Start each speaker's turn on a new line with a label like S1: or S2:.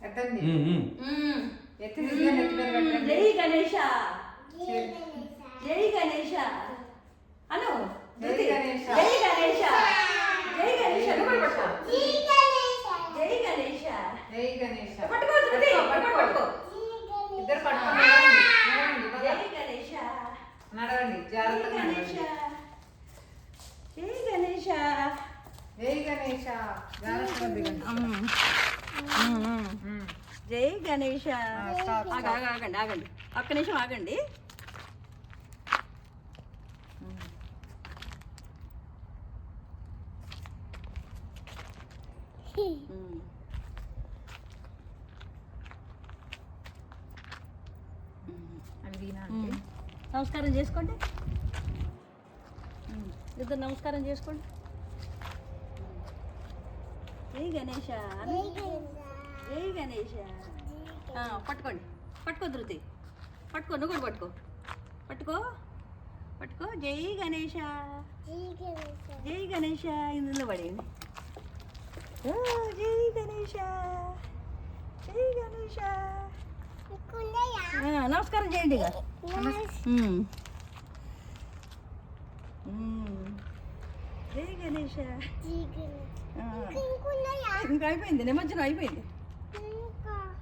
S1: జై గణేష జై గణేష అను జై గణేష జై గణేష జై గణేష జై గణేష జై గణేష పట్టుకో పట్టుకో ఇద్దరు పట్టుకో జై గణేష నడవండి జాగ్రత్తగా గణేష జై గణేష జై గణేష జై గణేష ఆగండి ఆగండి ఒక్క నిమిషం ఆగండి నమస్కారం చేసుకోండి ఇద్దరు నమస్కారం చేసుకోండి జై గణేష జై గణేష పట్టుకోండి పట్టుకో ధృతి పట్టుకో నువ్వు కూడా పట్టుకో పట్టుకో పట్టుకో జై గణేష జై గణేష ఇందులో పడేయండి జై గణేష జై గణేష నమస్కారం చేయండి ఇక జై గణేష ఇంకా అయిపోయింది నిమజ్జనం అయిపోయింది